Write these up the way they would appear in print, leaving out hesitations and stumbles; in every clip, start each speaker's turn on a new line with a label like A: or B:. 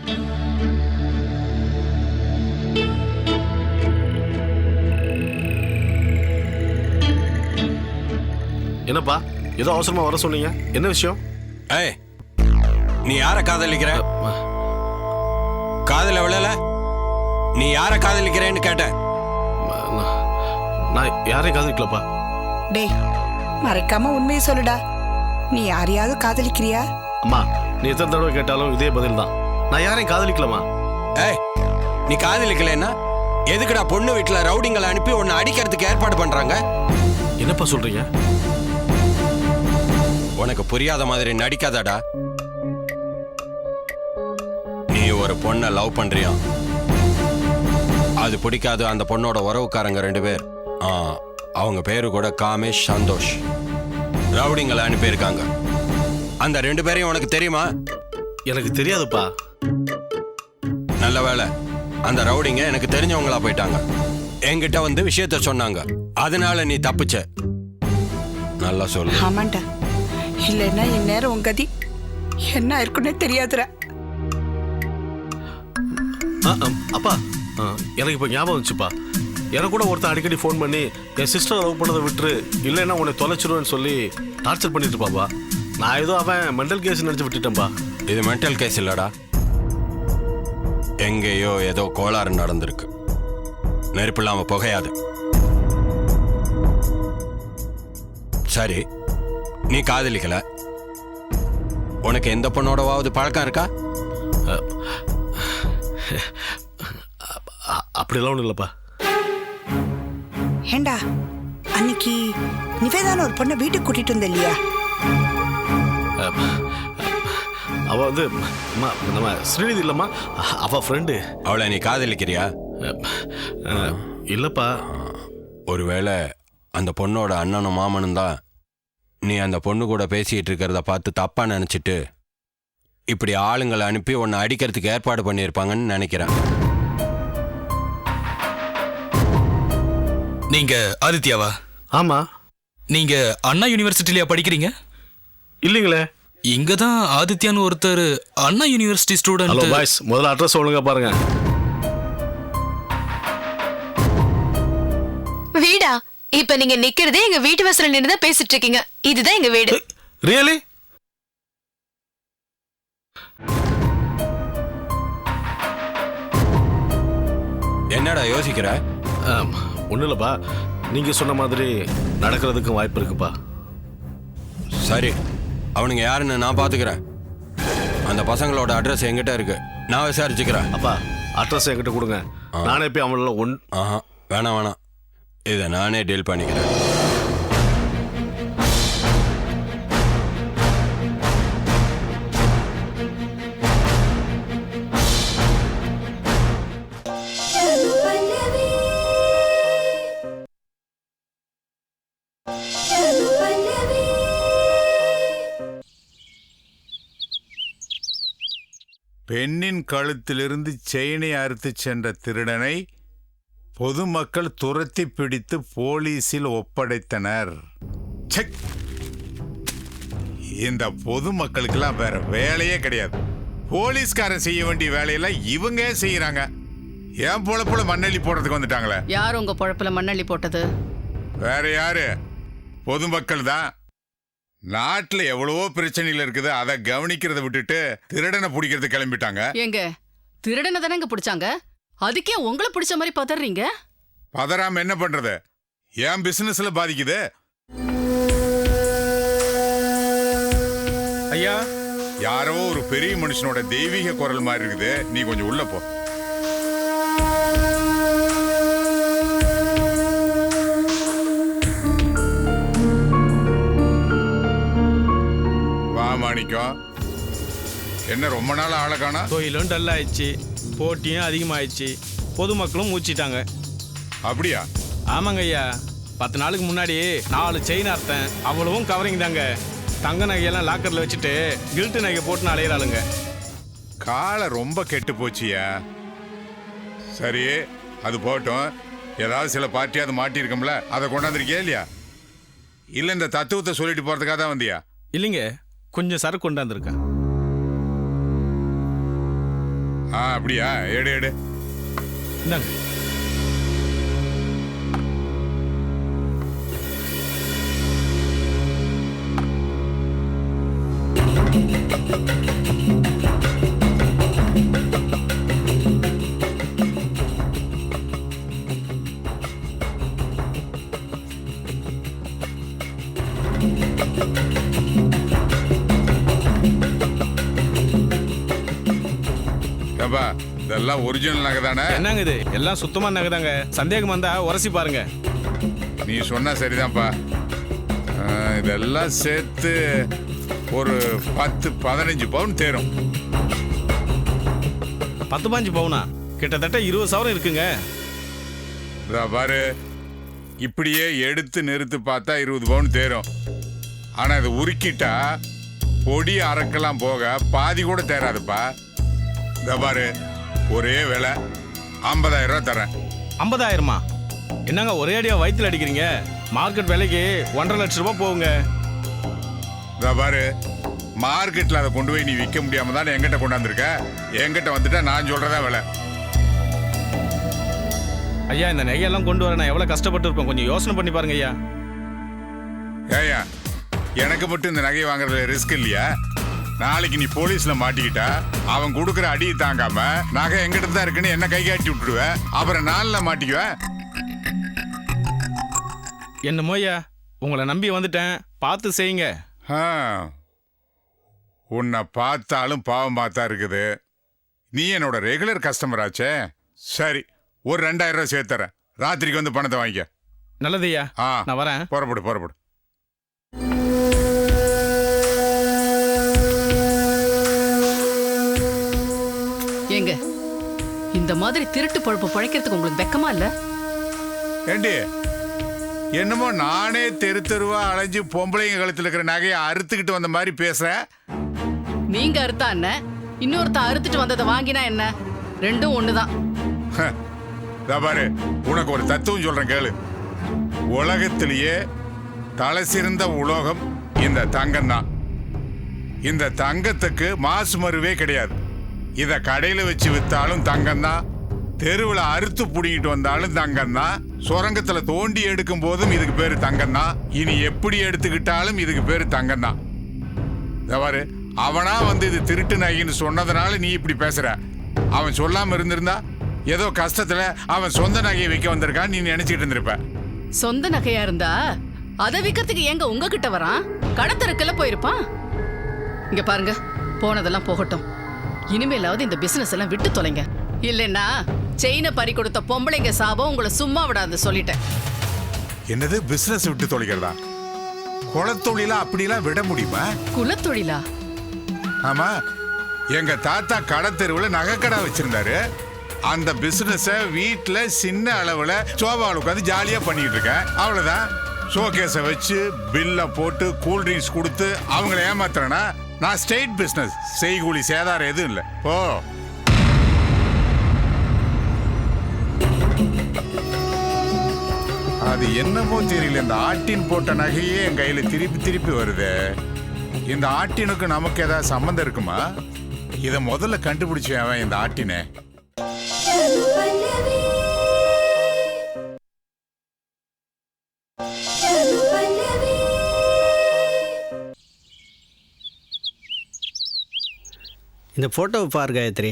A: என்னப்பா ஏதோ அவசரமா வர சொன்னீங்க, என்ன விஷயம்?
B: ஏய், நீ யார காதலிக்கிற? காதல விழல? நீ யார காதலிக்கிறேன்னு கேட்ட.
A: நான் யாரையும் காதலிக்கலப்பா.
C: டேய், மறைக்காம உண்மையை சொல்லுடா. நீ யாரையாவது காதலிக்கிறியா?
A: அம்மா, நீ எத்தனை தடவை கேட்டாலும் இதே பதில் தான். நான் யாரையும் காதலிக்கலமா.
B: ஏய், நீ காதலிக்கலன்னா எதுக்குடா பொண்ணு வீட்டுல ரவுடிங்களை அனுப்பி உன்னை அடிக்கிறதுக்கு ஏற்பாடு பண்றாங்க?
A: என்னப்பா சொல்றீங்க?
B: உனக்கு புரியாத மாதிரி நடிக்காதடா. நீ ஒரு பொண்ணை லவ் பண்றியா? அது பிடிக்காது அந்த பொண்ணோட உறவுக்காரங்க 2 பேர், அவங்க பேரு கூட காமேஷ், சந்தோஷ், ரவுடிங்களை அனுப்பியிருக்காங்க. அந்த 2 பேரையும் உனக்கு தெரியுமா?
A: எனக்கு தெரியாதுப்பா.
B: நல்ல வேலை, அந்த ரவுடிங்க எனக்கு தெரிஞ்சவங்களா போயிட்டாங்க. என்கிட்ட வந்து விஷயத்த சொன்னாங்க, அதனால நீ தப்பிச்ச. நல்லா சொல்லு.
C: ஆமாண்டா, இல்லைன்னா இந்நேரம் உன் கதி என்ன இருக்குன்னே தெரியாதுடா.
A: அப்பா, எனக்கு இப்போ ஞாபகம் வந்துச்சுப்பா. எனக்கு கூட ஒருத்தன் அடிக்கடி ஃபோன் பண்ணி என் சிஸ்டர் லவ் பண்ணதை விட்டுரு, இல்லைன்னா உன்னை தொலைச்சிருவேன்னு சொல்லி டார்ச்சர் பண்ணிட்டு இருப்பாப்பா. நான் ஏதோ அவன் மென்டல் கேஸ் நினச்சி விட்டுட்டேன்ப்பா.
B: இது மென்டல் கேஸ் இல்லடா, எங்கேயோ ஏதோ கோளாறு நடந்திருக்கு. நெருப்பு இல்லாம புகையாது. சரி, நீ காதலிக்கல, உனக்கு எந்த பொண்ணோடவாவது பழக்கம் இருக்கா?
A: அப்படிலாம் ஒன்றும் இல்லைப்பா.
C: ஏண்டா, அன்னைக்கு நிவேதான ஒரு பொண்ணை வீட்டுக்கு கூட்டிட்டு வந்த இல்லையா?
A: அவ வந்து நம்ம ஸ்ரீநிதி இல்லம்மா, அவ ஃப்ரெண்டு.
B: அவளை நீ காதலிக்கிறியா?
A: இல்லப்பா.
B: ஒருவேளை அந்த பொண்ணோட அண்ணனும் மாமனும் தான் நீ அந்த பொண்ணு கூட பேசிட்டு இருக்கிறத பார்த்து தப்பா நினைச்சிட்டு இப்படி ஆளுங்களை அனுப்பி உன்னை அடிக்கிறதுக்கு ஏற்பாடு பண்ணியிருப்பாங்கன்னு நினைக்கிறேன்.
D: நீங்க ஆதித்யாவா?
A: ஆமா.
D: நீங்க அண்ணா யூனிவர்சிட்டிலயா படிக்கிறீங்க?
A: இல்லைங்களே.
D: இங்க தான் ஆதித்யான்னு ஒருத்தர் Anna University student.
A: Hello boys, முதல்ல அட்ரஸ் சொல்லுங்க பாருங்க.
E: வீடா? இப்ப நீங்க நிக்கிறதே எங்க வீட்டு வாசல்ல நின்னு தான் பேசிட்டு இருக்கீங்க. இதுதான் எங்க வீடு.
A: ரியலி?
B: என்னடா யோசிக்கிற?
A: ஒன்றும் இல்லைப்பா, நீங்க சொன்ன மாதிரி நடக்கிறதுக்கும் வாய்ப்பு இருக்குப்பா.
B: சரி, அவனுங்க யாருன்னு நான் பாத்துக்கிறேன். அந்த பசங்களோட அட்ரஸ் என்கிட்ட இருக்கு, நான் விசாரிச்சுக்கிறேன்.
A: அப்பா, அட்ரஸ் என்கிட்ட கொடுங்க, நானே போய் அவங்கள
B: வேணாம், இதை நானே டீல் பண்ணிக்கிறேன்.
F: பெண்ணின் கழுத்திலிருந்து செயினை அறுத்து சென்ற திருடனை பொதுமக்கள் துரத்தி பிடித்து போலீசில் ஒப்படைத்தனர். இந்த பொதுமக்களுக்கெல்லாம் வேற வேலையே கிடையாது. போலீஸ்காரன் செய்ய வேண்டிய வேலையெல்லாம் இவங்க செய்யறாங்க. என் பொழப்புல மண்ணள்ளி போடுறதுக்கு வந்துட்டாங்களே.
G: யார் உங்க பொழப்புல மண்ணள்ளி போட்டது?
F: வேற யாரு? பொதுமக்கள் தான். நாட்டுல எவ்வளவோ பிரச்சனைகள் இருக்குது, அதை கவனிக்கிறத விட்டுட்டு திருடனை பிடிக்கிறது கிளம்பிட்டாங்க.
G: எங்க திருடனை தானே பிடிச்சாங்க, அதுக்கே உங்களை பிடிச்ச மாதிரி பதறீங்க?
F: பதறாம என்ன பண்றது? என் பிசினஸ்ல பாதிக்குது.
H: ஐயா,
F: யாரோ ஒரு பெரிய மனுஷனோட தெய்வீக குரல் மாதிரி இருக்குது. நீ கொஞ்சம் உள்ள போ. மாணிக்கம், என்ன ரொம்ப நாள் ஆளை காணா?
H: தொழிலும் டல் ஆயிடுச்சு, போட்டியும் அதிகமாயிடுச்சு, பொதுமக்களும் மூச்சிட்டாங்க.
F: அப்படியா?
H: ஆமாங்க ஐயா, 10 நாளுக்கு முன்னாடி 4 செயின் அர்த்தம், அவ்வளவும் கவரிங் தாங்க. தங்க நகையெல்லாம் லாக்கர்ல வச்சுட்டு கில்ட்டு நகை போட்டு அலையிறாளுங்க.
F: காலை ரொம்ப கெட்டு போச்சியா. சரி, அது போட்டோம். ஏதாவது சில பார்ட்டியாவது மாட்டியிருக்கோம்ல, அதை கொண்டாந்துருக்கியா இல்லையா? இல்லை இந்த தத்துவத்தை சொல்லிட்டு போறதுக்காக தான் வந்தியா?
H: இல்லைங்க, கொஞ்சம் சரக்கு கொண்டாந்துருக்கேன்.
F: அப்படியா? எடு எடு.
H: இந்தாங்க.
F: ஏப்பா இதெல்லாம் ஒரிஜினல் நகை தானே?
H: என்னங்க இது? எல்லாம் சுத்தமா நகைதாங்க. சந்தேகம் வந்தா உரசி பாருங்க.
F: நீ சொன்னா சரிதான்ப்பா. இதெல்லாம் சேர்த்து ஒரு 10-15 பவுன் தேரும்.
H: 10-15 பவுனா? கிட்டத்தட்ட 20 சவரம் இருக்குங்க.
F: இதா பாரு, இப்படியே எடுத்து நிறுத்து பார்த்தா 20 பவுன் தேரும். ஆனா இது உருக்கிட்டா பொடி அறக்கலாம் போக பாதி கூட தேராதுப்பா. இதா பாரு, ஒரே விலை 50,000 ரூபா தரேன்.
H: 50,000மா? என்னங்க ஒரே அடியா வயிற்றுல அடிக்கிறீங்க? மார்க்கெட் விலைக்கு 1.5 லட்சம் ரூபாய் போகுங்க.
F: இதா பாரு, மார்க்கெட்ல அதை கொண்டு போய் நீ விற்க முடியாம தானே என்கிட்ட கொண்டாந்துருக்க. என்கிட்ட வந்துட்டா நான் சொல்றதா விலை.
H: ஐயா, இந்த நகையெல்லாம் கொண்டு வர நான் எவ்வளவு கஷ்டப்பட்டு இருப்பேன். கொஞ்சம் யோசனை பண்ணி பாருங்க ஐயா.
F: ஏயா, எனக்கு மட்டும் இந்த நகையை வாங்குறதுல ரிஸ்க் இல்லையா? நாளைக்கு நீ போலீஸ்ல மாட்டிக்கிட்டா அவன் கொடுக்குற அடியை தாங்காம நகை எங்கிட்ட தான் இருக்குன்னு என்ன கை காட்டி விட்டுடுவேன். அப்புறம் நாளில் மாட்டிக்குவேன்.
H: என்னமோ ஐயா, உங்களை நம்பி வந்துட்டேன், பார்த்து செய்யுங்க.
F: உன்னை பார்த்தாலும் பாவம் பார்த்தா இருக்குது. நீ என்னோட ரெகுலர் கஸ்டமர் ஆச்சே. சரி, ஒரு 2,000 ரூபாய் சேர்த்துறேன். ராத்திரிக்கு வந்து பணத்தை வாங்கிக்க.
H: நல்லது ஐயா, நான் வரேன்.
F: புறப்படு.
G: ஏங்க, இந்த மாதிரி திருட்டு பொழப்பு பழைக்கிறதுக்கு உங்களுக்கு வெக்கமா இல்ல?
F: ஏண்டி, என்னமோ நானே தெரு தெருவா அலைஞ்சு பொம்பளைங்க கழுத்துல இருக்கிற நகையை அறுத்துக்கிட்டு வந்த மாதிரி பேசுறேன்.
G: நீங்க அறுத்தா என்ன, இன்னொருத்த அறுத்துட்டு வந்ததை வாங்கினா என்ன? ரெண்டும் ஒண்ணுதான்.
F: பாரு, உனக்கு ஒரு தத்துவம் சொல்றேன் கேளு. உலகத்திலேயே தலை சிறந்த உலோகம் இந்த தங்கம் தான். இந்த தங்கத்துக்கு மாசு மருவே கிடையாது. இத கடையில வச்சு வித்தாலும் தங்கம் தான், தெருவில் அறுத்து புடிங்கிட்டு வந்தாலும் தங்கம் தான், சுரங்கத்துல தோண்டி எடுக்கும் போதும் இதுக்கு பேரு தங்கம் தான், இனி எப்படி எடுத்துக்கிட்டாலும் இதுக்கு பேரு தங்கம் தான். பாரு, அவனா வந்து இது திருட்டு நகைன்னு சொன்னதுனால நீ இப்படி பேசுற. அவன் சொல்லாம இருந்திருந்தா ஏதோ கஷ்டத்துல அவன் சொந்த நகையை விற்க வந்திருக்கான்னு நீ நினைச்சிட்டு இருந்திருப்ப.
G: சொந்த நகையா இருந்தா அதை விற்கிறதுக்கு எங்க உங்ககிட்ட வரான்? கடத்தருக்குள்ள போயிருப்பான். இங்க பாருங்க, போனதெல்லாம் போகட்டும். இனிமேலாவது இந்த பிசினஸ் எல்லாம் விட்டு தொலைங்க. இல்லைன்னா செயினை பறி கொடுத்த பொம்பளைங்க சாபம் உங்களை சும்மா விடாது சொல்லிட்டேன்.
F: என்னது பிசினஸ் விட்டு தொலைக்கிறதா? குலத்தொழிலா அப்படிலாம் விட முடியுமா?
G: குலத்தொழிலா?
F: ஆமா, எங்க தாத்தா கடத்தெருவுல நகைக்கடை வச்சிருந்தாரு. அந்த பிசினஸ வீட்டுல சின்ன அளவுல சோபாவில் உட்காந்து ஜாலியா பண்ணிட்டு இருக்கேன். அவ்வளவுதான். ஷோகேஸை வச்சு பில்ல போட்டு கூல் ட்ரிங்க்ஸ் கொடுத்து அவங்கள ஏமாத்துறேன்னா நான் ஸ்டேட் பிசினஸ். செய்கூலி சேதாரம் எதுவும் இல்லை. போ. அது என்னமோ தெரியல, இந்த ஆட்டின் போட்ட நகையே என் கையில திருப்பி வருது. இந்த ஆட்டினுக்கு நமக்கு ஏதாவது சம்பந்தம் இருக்குமா? இதை முதல்ல கண்டுபிடிச்சு அவன் இந்த ஆட்டினை.
I: இந்த போட்டோவை பாரு காயத்ரி.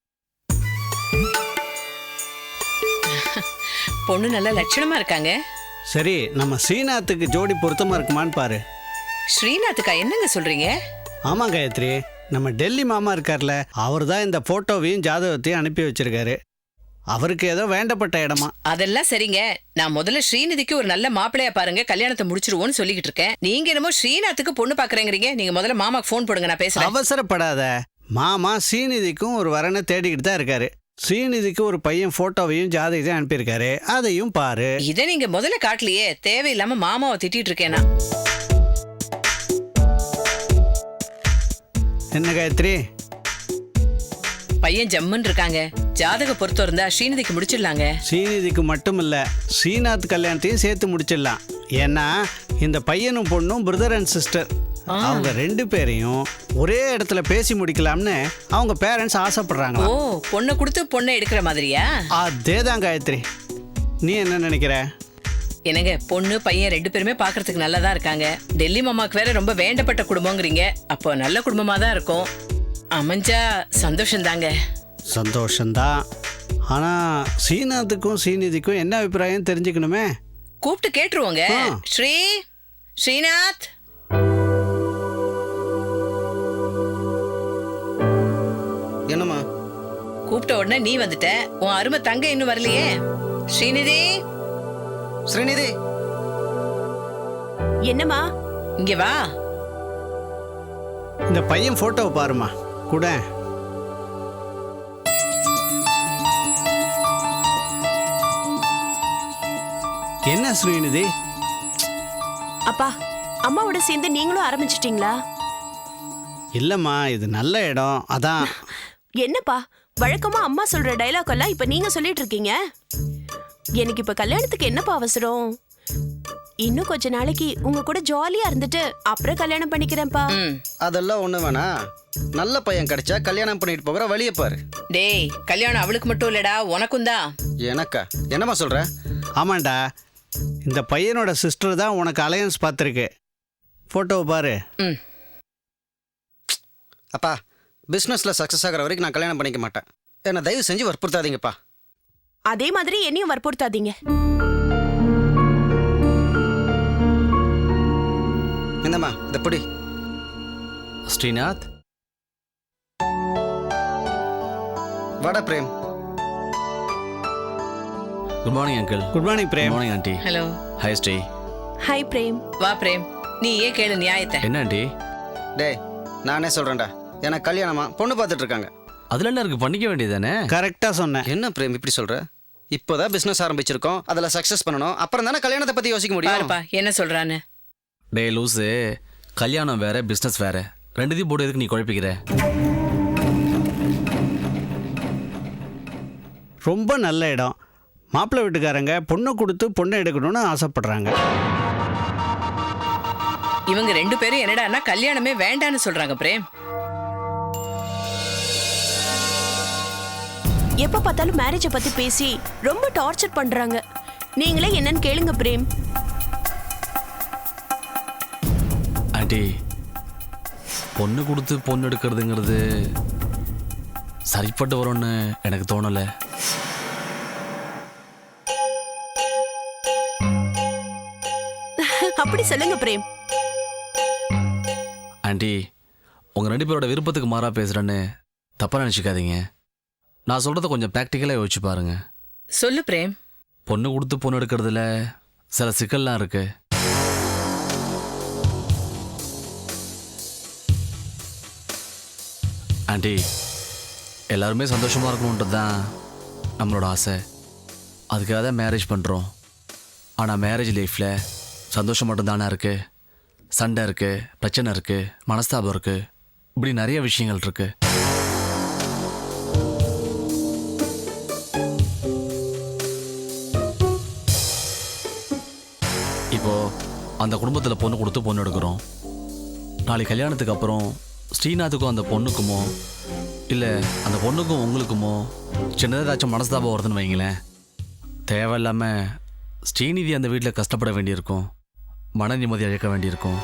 J: பொண்ணு நல்ல லட்சணமா இருக்காங்க.
I: சரி, நம்ம ஸ்ரீநாத்துக்கு ஜோடி பொருத்தமா இருக்குமான்னு பாரு.
J: ஸ்ரீநாத்துக்கா? என்னங்க சொல்றீங்க?
I: ஆமா காயத்ரி, நம்ம டெல்லி மாமா இருக்கார்ல, அவர் தான் இந்த போட்டோவையும் ஜாதகத்தையும் அனுப்பி வச்சிருக்காரு. அவருக்கு ஏதோ வேண்டப்பட்ட இடமா.
J: அதெல்லாம் சரிங்க, நான் முதல்ல ஸ்ரீநிதிக்கு ஒரு நல்ல மாப்பிள்ளையா பாருங்க, கல்யாணத்தை முடிச்சிருவோன்னு சொல்லிக்கிட்டு இருக்கேன். நீங்க என்னமோ ஸ்ரீநாத்துக்கு பொண்ணு பாக்குறேங்கிறீங்க. நீங்க முதல்ல மாமாக்கு போன் போடுங்க, நான் பேசுறேன்.
I: அவசரப்படாத. மாமா ஸ்ரீநிதிக்கும் ஒரு வரனை தேடிக்கிட்டு தான் இருக்காரு. ஸ்ரீநிதிக்கு ஒரு பையன் போட்டோவையும் ஜாதகத்தையும் அனுப்பியிருக்காரு, அதையும் பாரு.
J: இதை நீங்க முதல்ல காட்டலையே, தேவையில்லாம மாமாவை திட்டிட்டு இருக்கேனா?
I: என்ன காயத்ரி?
J: பையன் ஜம்முன்னு இருக்காங்க. ஜாதக பொறுத்த இருந்தா ஸ்ரீநிதிக்கு முடிச்சிடலாங்க.
I: ஸ்ரீநிதிக்கு மட்டும் இல்ல, ஸ்ரீநாத் கல்யாணத்தையும் சேர்த்து முடிச்சிடலாம். ஏன்னா இந்த பையனும் பொண்ணும் பிரதர் அண்ட் சிஸ்டர். அவங்க 2 பேரையும் ஒரே இடத்துல பேசி முடிக்கலாம்னு அவங்க பேரண்ட்ஸ் ஆசைப்படுறாங்க.
J: ஓ, பொண்ணை கொடுத்து பொண்ணை எடுக்கிற மாதிரியா?
I: அதேதான் காயத்ரி. நீ என்ன நினைக்கிற?
J: என்னங்க, பொண்ணு பையன் 2 பேருமே பாக்குறதுக்கு நல்லதா இருக்காங்க. டெல்லி மாமாக்கு வேற ரொம்ப வேண்டப்பட்ட குடும்பங்கிறீங்க. அப்போ நல்ல குடும்பமா தான் இருக்கும். அமைஞ்சா சந்தோஷம் தாங்க.
I: சந்தோஷம்தான். ஆனா ஸ்ரீநாத்துக்கும் ஸ்ரீநிதிக்கும் என்ன அபிப்பிராயம் தெரிஞ்சுக்கணுமே.
J: கூப்பிட்டு கேட்டுருவோங்க. ஸ்ரீநாத்,
K: என்னம்மா?
J: கூப்பிட்ட உடனே நீ வந்துட்ட. உன் அருமை தங்க இன்னும் வரலையே. ஸ்ரீநிதி,
K: ஸ்ரீநிதி,
E: என்னம்மா?
J: இங்க வா.
I: இந்த பையன் போட்டோவை பாருமா கூட. என்ன ஸ்ரீநிதி?
E: அப்பா, அம்மாவோட சேர்ந்து நீங்களும் ஆரம்பிச்சிட்டீங்களா?
I: இல்லம்மா, இது நல்ல இடம் அதான்.
E: என்னப்பா, வழக்கமா அம்மா சொல்ற டைலாக் எல்லாம் இப்ப நீங்க சொல்லிட்டு இருக்கீங்க. எனக்கு இப்ப கல்யாணத்துக்கு என்னப்பா அவசரம்? இன்னும் கொஞ்ச நாளைக்கு உங்க கூட ஜாலியா இருந்துட்டு அப்புறம் கல்யாணம் பண்ணிக்கிறேன்ப்பா.
K: அதெல்லாம் ஒண்ணு வேணா. நல்ல பையன் கிடைச்சா கல்யாணம் பண்ணிட்டு போகிற வழியை பாரு.
J: டேய், கல்யாணம் அவளுக்கு மட்டும் இல்லடா, உனக்கும் தான்.
K: எனக்கா? என்னம்மா சொல்ற?
I: ஆமாண்டா, இந்த பையனோட சிஸ்டர் தான் உனக்கு அலையன்ஸ் பார்த்துருக்கு. போட்டோவை பாரு.
K: அப்பா, பிஸ்னஸில் சக்ஸஸ் ஆகிற வரைக்கும் நான் கல்யாணம் பண்ணிக்க மாட்டேன். என்னை தயவு செஞ்சு வற்புறுத்தாதீங்கப்பா.
E: அதே மாதிரி என்னையும் வற்புறுத்தாதீங்க.
K: என்னம்மா இந்த பிடி.
L: ஸ்ரீநாத்,
K: வாடா Prem.
L: Good morning uncle.
I: Good morning Prem.
L: Morning aunty.
J: Hello.
L: Hi Sri.
E: Hi Prem.
J: வா பிரேம், நீ ஏன் கேளு நியாயத்தை.
L: என்ன ஆண்டி?
K: டேய், நானே சொல்றேன்டா, எனக்கு கல்யாணமா பொண்ணு பார்த்துட்டு இருக்காங்க.
L: அதுல என்ன இருக்கு, பண்ணிக்க வேண்டியதானே?
I: கரெக்டா சொன்னேன்.
K: என்ன பிரேம் இப்படி சொல்ற? இப்போதான் பிசினஸ் ஆரம்பிச்சிருக்கோம், அதுல சக்சஸ் பண்ணணும். அப்புறம் தானே கல்யாணத்தை பத்தி யோசிக்க முடியும்.
J: பாருப்பா என்ன சொல்றான்னு.
L: டே லூசு, கல்யாணம் வேற பிசினஸ் வேற, ரெண்டுத்தையும் போட்டு எதுக்கு நீ குழப்பிக்கிற?
I: ரொம்ப நல்ல இடம். மாப்பிள்ளை வீட்டுக்காரங்க பொண்ணை கொடுத்து பொண்ணை எடுக்கணும்னு ஆசைப்படுறாங்க.
J: இவங்க 2 பேரும் என்னடான்னா கல்யாணமே வேண்டான்னு சொல்றாங்க பிரேம்.
E: எப்ப பார்த்தாலும் மேரேஜ பத்தி பேசி ரொம்ப டார்ச்சர் பண்றாங்க. நீங்களே என்னன்னு கேளுங்க பிரேம்.
L: ஆண்டி, பொண்ணு கொடுத்து பொண்ணு எடுக்கிறதுங்கிறது சரிப்பட்டு வரும்னு எனக்கு தோணலை.
E: அப்படி சொல்லுங்க பிரேம்.
L: ஆண்டி, உங்கள் 2 பேரோட விருப்பத்துக்கு மாறா பேசுகிறேன்னு தப்பாக நினச்சிக்காதீங்க. நான் சொல்கிறத கொஞ்சம் ப்ராக்டிக்கலாக யோசிச்சு பாருங்க.
J: சொல்லு பிரேம்.
L: பொண்ணு கொடுத்து பொண்ணு எடுக்கிறதுல சில சிக்கல்லாம் இருக்கு. ஆண்டி, எல்லாருமே சந்தோஷமாக இருக்கணுன்றது தான் நம்மளோட ஆசை. அதுக்காக தான் மேரேஜ் பண்ணுறோம். ஆனால் மேரேஜ் லைஃப்பில் சந்தோஷம் மட்டும்தானே இருக்குது. சண்டை இருக்குது, பிரச்சனை இருக்குது, மனஸ்தாபம் இருக்குது, இப்படி நிறைய விஷயங்கள் இருக்குது. இப்போது அந்த குடும்பத்தில் பொண்ணு கொடுத்து பொண்ணு எடுக்கிறோம். நாளைக்கு கல்யாணத்துக்கு அப்புறம் ஸ்ரீநாத்துக்கும் அந்த பொண்ணுக்குமோ இல்லை அந்த பொண்ணுக்கும் உங்களுக்குமோ சின்னதாக ஏதாச்சும் மனஸ்தாபம் வருதுன்னு வைங்களேன், தேவையில்லாமல் ஸ்ரீநிதி அந்த வீட்டில் கஷ்டப்பட வேண்டியிருக்கும், மன நிம்மதி அழைக்க வேண்டியிருக்கும்.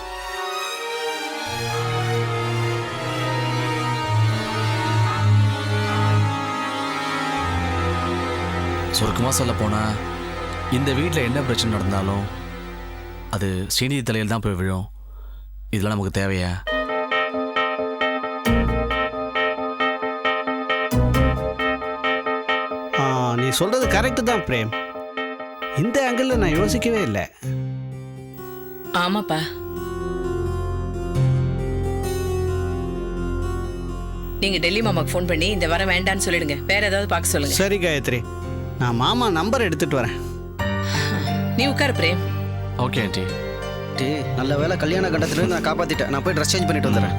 L: சுருக்கமாக சொல்ல போனால், இந்த வீட்டில் என்ன பிரச்சனை நடந்தாலும் அது ஸ்ரீநிதி தலையில் தான் போய் விழும். இதெல்லாம் நமக்கு தேவையா?
I: நீ சொல்றது கரெக்டு தான் பிரேம். இந்த ஆங்கிள் நான் யோசிக்கவே இல்லை.
J: ஆமாப்பா. நீங்க டெல்லி மாமாக்கு ஃபோன் பண்ணி இந்த வாரம் வேண்டான்னு சொல்லிடுங்க. வேற ஏதாவது பார்க்க சொல்லுங்க.
I: சரி காயத்ரி, நான் மாமா நம்பர் எடுத்துட்டு வரேன்.
J: நீ உட்காரு பிரேம்.
L: Okay aunty.
K: டே, நல்ல வேலை கல்யாண கண்டத்திலிருந்து நான் காப்பாத்திட்டேன். நான் போய் ட்ரெஸ் சேஞ்ச் பண்ணிட்டு வந்துடுறேன்.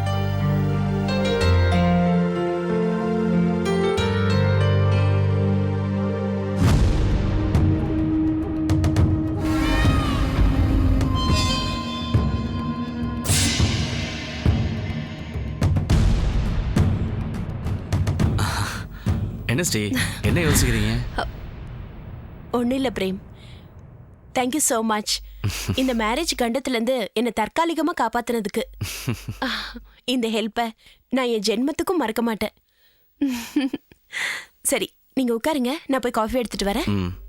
L: என்ன ஸ்ரீ என்ன யோசிக்கிறீங்க?
E: ஒன்றும் இல்லை பிரேம், தேங்க்யூ ஸோ மச் இந்த மேரேஜ் கண்டத்துலேருந்து என்னை தற்காலிகமாக காப்பாத்துனதுக்கு. இந்த ஹெல்ப்பை நான் என் ஜென்மத்துக்கும் மறக்க மாட்டேன். சரி, நீங்கள் உட்காருங்க, நான் போய் காஃபி எடுத்துட்டு வரேன்.